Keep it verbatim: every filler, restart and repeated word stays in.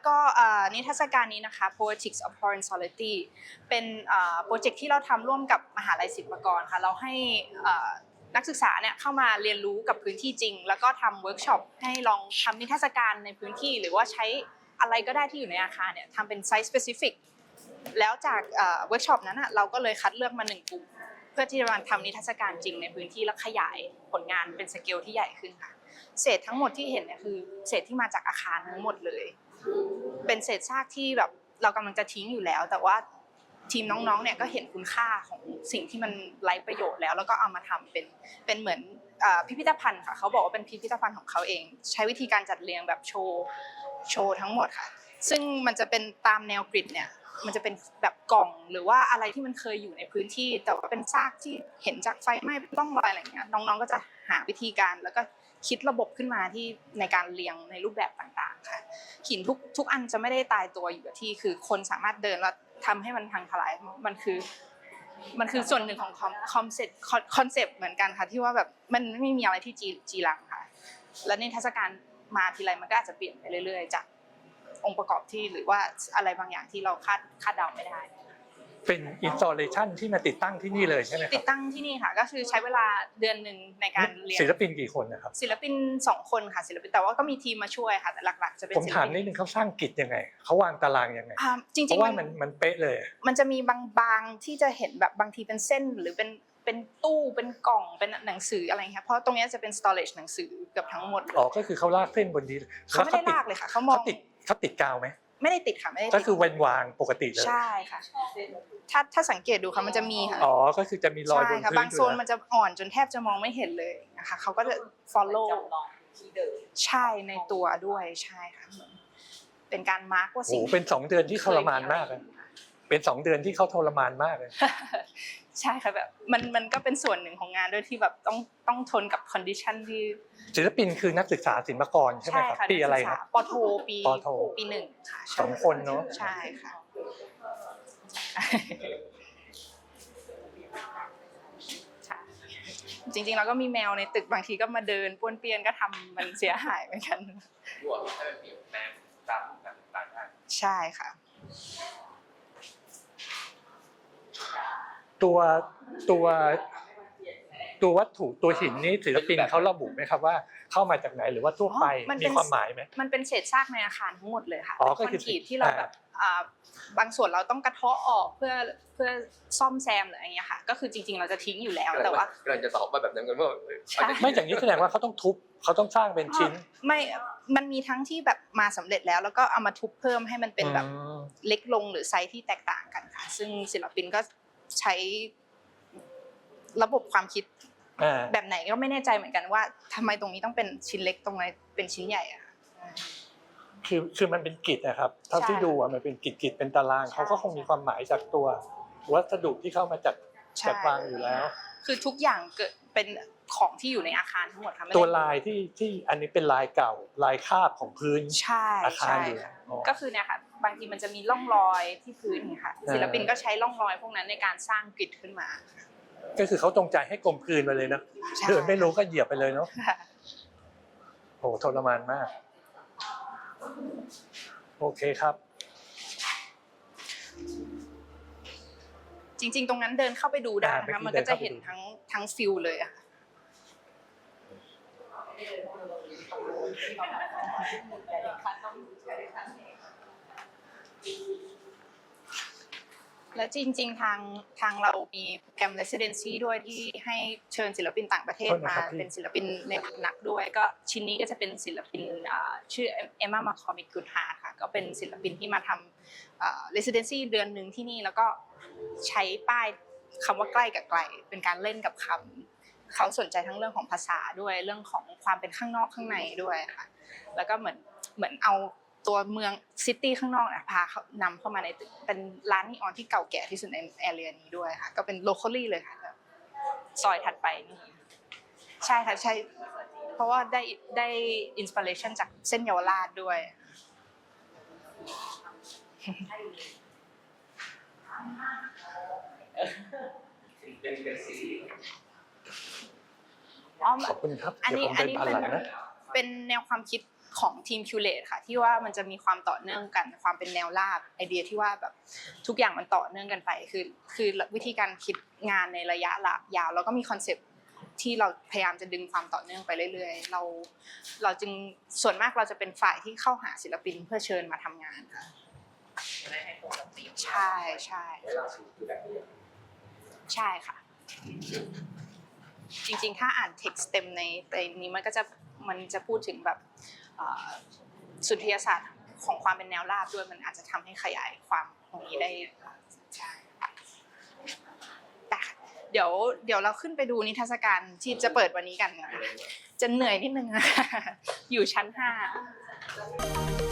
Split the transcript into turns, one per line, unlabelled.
ก็นิทรรศการนี้นะคะ Poetics of Foreign Solidity เป็นโปรเจกต์ที่เราทำร่วมกับมหาลัยศิลปากรค่ะเราให้นักศึกษาเนี่ยเข้ามาเรียนรู้กับพื้นที่จริงแล้วก็ทำเวิร์กช็อปให้ลองทำนิทรรศการในพื้นที่หรือว่าใช้อะไรก็ได้ที่อยู่ในอาคารเนี่ยทำเป็นไซส์ specific แล้วจากเวิร์กช็อปนั้นเราก็เลยคัดเลือกมาหนึ่งกลุ่มเพื่อที่จะมาทำนิทรรศการจริงในพื้นที่และขยายผลงานเป็นสเกลที่ใหญ่ขึ้นค่ะเศษทั้งหมดที่เห็นเนี่ยคือเศษที่มาจากอาคารทั้งหมดเลยเป็นเศษซากที่แบบเรากำลังจะทิ้งอยู่แล้วแต่ว่าทีมน้องๆเนี่ยก็เห็นคุณค่าของสิ่งที่มันไร้ประโยชน์แล้วแล้วก็เอามาทำเป็นเป็นเหมือนพิพิธภัณฑ์ค่ะเขาบอกว่าเป็นพิพิธภัณฑ์ของเขาเองใช้วิธีการจัดเรียงแบบโชว์โชว์ทั้งหมดค่ะซึ่งมันจะเป็นตามแนวกริดเนี่ยมันจะเป็นแบบกล่องหรือว่าอะไรที่มันเคยอยู่ในพื้นที่แต่ว่าเป็นซากที่เห็นจากไฟไหม้ต้องรอยอะไรอย่างเงี้ยน้องๆก็จะหาวิธีการแล้วก็คิดระบบขึ้นมาที่ในการเรียงในรูปแบบต่างๆค่ะหินทุกทุกอันจะไม่ได้ตายตัวอยู่กับที่คือคนสามารถเดินแล้วทำให้มันพังทลายมันคือมันคือส่วนหนึ่งของคอนเซ็ปต์คอนเซ็ปต์เหมือนกันค่ะที่ว่าแบบมันไม่มีอะไรที่จีจีรังค่ะและนิทรรศการมาทีไรมันก็อาจจะเปลี่ยนไปเรื่อยๆจากองค์ประกอบที่หรือว่าอะไรบางอย่างที่เราคาดคาดเดาไม่ได้
เป็นอินสตาเลชันที่มาติดตั้งที่นี่เลยใช่ไหมครับ
ติดตั้งที่นี่ค่ะก็คือใช้เวลาเดือนหนึ่งในการเรียน
ศิลปินกี่คนนะครับ
ศิลปินสองคนค่ะศิลปินแต่ว่าก็มีทีมมาช่วยค่ะแต่หลักๆจะเป็น
ผมถามนิดนึงเขาสร้างกิจยังไงเขาวางตารางยังไง
จริงๆ
เพราะว่ามันมันเป๊ะเลย
มันจะมีบางๆที่จะเห็นแบบบางทีเป็นเส้นหรือเป็นเป็นตู้เป็นกล่องเป็นหนังสืออะไรค่ะเพราะตรงนี้จะเป็น storage หนังสือเกือบทั้งหมดเลย
อ๋อก็คือเขาลากเส้นบนนี้
เขาไม่ได้ลากเลยค่ะเขามอง
เขาติดเขาติดกาวไหม
ไม่ได้ติดค่ะไม่ได้
ก็คือเว้นวางปกติเลย
ใช่ค่ะถ้าถ้าสังเกตดูค่ะมันจะมีค่ะ
อ๋อก็คือจะมีรอยบนพื้น
บางโซนมันจะอ่อนจนแทบจะมองไม่เห็นเลยนะคะเขาก็จะ follow ใช่ในตัวด้วยใช่ค่ะเป็นการมาร์กว่าสิ่ง
โอ้เป็นสองเดือนที่ทรมานมากเลยเป็นสองเดือนที่เขาทรมานมากเลย
ใช่ค่ะแบบมันมันก็เป็นส่วนหนึ่งของงานด้วยที่แบบต้องต้องทนกับคอนดิชันที่
ศิลปินคือนักศึกษาศิลปากรใช่ไหมครับปีอะไรครับ
ปโทปี
ปโท
ปีหนึ่งค่ะ
สองคนเนาะ
ใช่ค่ะจริงๆเราก็มีแมวในตึกบางทีก็มาเดินป้วนเปี้ยนก็ทำมันเสียหายเหมือนกัน
รวมให้มันเปลี่ยนแปลงตามต่างๆได้
ใช่ค่ะ
ตัวตัวตัววัตถุตัวหินนี้ศิลปินเขาระบุไหมครับว่าเข้ามาจากไหนหรือว่าทั่วไปมีความหมายไหม
มันเป็นเศษซากในอาคารทั้งหมดเลยค่ะ
อ๋อ
คอนกรีตที่เราแบบบางส่วนเราต้องกระเทาะออกเพื่อเพื่อซ่อมแซมหรืออะไรเงี้ยค่ะก็คือจริงๆเราจะทิ้งอยู่แล้วแต่ว่าก
ำลังจะตอบว่าแบบนั้นกันว่า
ไม่อย่างนี้แสดงว่าเขาต้องทุบเขาต้องสร้างเป็นชิ้น
ไม่มันมีทั้งที่แบบมาสำเร็จแล้วแล้วก็เอามาทุบเพิ่มให้มันเป็นแบบเล็กลงหรือไซส์ที่แตกต่างกันค่ะซึ่งศิลปินก็ใช้ระบบความคิดแบบไหนก็ไม่แน่ใจเหมือนกันว่าทำไมตรงนี้ต้องเป็นชิ้นเล็กตรงไหนเป็นชิ้นใหญ่อะ
คือคือมันเป็นกิจนะครับเท่าที่ดูอ่ะมันเป็นกิจกิจเป็นตารางเขาก็คงมีความหมายจากตัววัสดุที่เข้ามาจัดจัดวางอยู่แล้ว
คือทุกอย่างเกิดเป็นของที่อยู่ในอาคารทั้งหมดค่ะ
ตัวลายที่ที่อันนี้เป็นลายเก่าลายคาบของพื้นอาคารอยู่
ก็คือเนี่ยค่ะบางทีมันจะมีร่องรอยที่พื้นค่ะศิลปินก็ใช้ร่องรอยพวกนั้นในการสร้างกริดขึ้นมา
ก็คือเขาจงใจให้กลมกลืนไปเลยนะเดินไม่รู้ก็เหยียบไปเลยเนาะโอ้ทรมานมากโอเคครับ
จริงๆตรงนั้นเดินเข้าไปดูได้นะคะมันก็จะเห็นทั้งทั้งฟิลเลยอะและจริงๆทางทางเรามีโปรแกรม residency ด้วยที่ให้เชิญศิลปินต่างประเทศมาเป็นศิลปินในพำนักด้วยก็ชิ้นนี้ก็จะเป็นศิลปินชื่อเอมม่ามาคอมิกกูดฮาร์ค่ะก็เป็นศิลปินที่มาทำ residency เดือนหนึ่งที่นี่แล้วก็ใช้ป้ายคำว่าใกล้กับไกลเป็นการเล่นกับคำเขาสนใจทั้งเรื่องของภาษาด้วยเรื่องของความเป็นข้างนอกข้างในด้วยค่ะแล้วก็เหมือนเหมือนเอาตัวเมืองซิตี้ข้างนอกนะพาเขานำเข้ามาในตึกเป็นร้านนีออนที่เก่าแก่ที่สุดในแอเรียนี้ด้วยค่ะก็เป็น locally เลยค่ะซอยถัดไปนี่ใช่ค่ะใช่เพราะว่าได้ได้อินสปิเรชันจากเส้นเยาวราชด้วย
ขอบคุณครับ
อันนี้อันนี้เป็นเป็นแนวความคิดของทีมคิวเลตค่ะที่ว่ามันจะมีความต่อเนื่องกันความเป็นแนวราบไอเดียที่ว่าแบบทุกอย่างมันต่อเนื่องกันไปคือคือวิธีการคิดงานในระยะยาวแล้วก็มีคอนเซปต์ที่เราพยายามจะดึงความต่อเนื่องไปเรื่อยๆเราเราจึงส่วนมากเราจะเป็นฝ่ายที่เข้าหาศิลปินเพื่อเชิญมาทำงานค่ะใช่ใช่ใช่ค่ะจริงๆถ้าอ่านเท็กซ์เต็มในในนี้มันก็จะมันจะพูดถึงแบบสุนทรียศาสตร์ของความเป็นแนวราบด้วยมันอาจจะทำให้ขยายความตรงนี้ได้ใช่แต่เดี๋ยวเดี๋ยวเราขึ้นไปดูนิทรรศการที่จะเปิดวันนี้กันนะคะจะเหนื่อยนิดนึงนะคะอยู่ชั้นห้า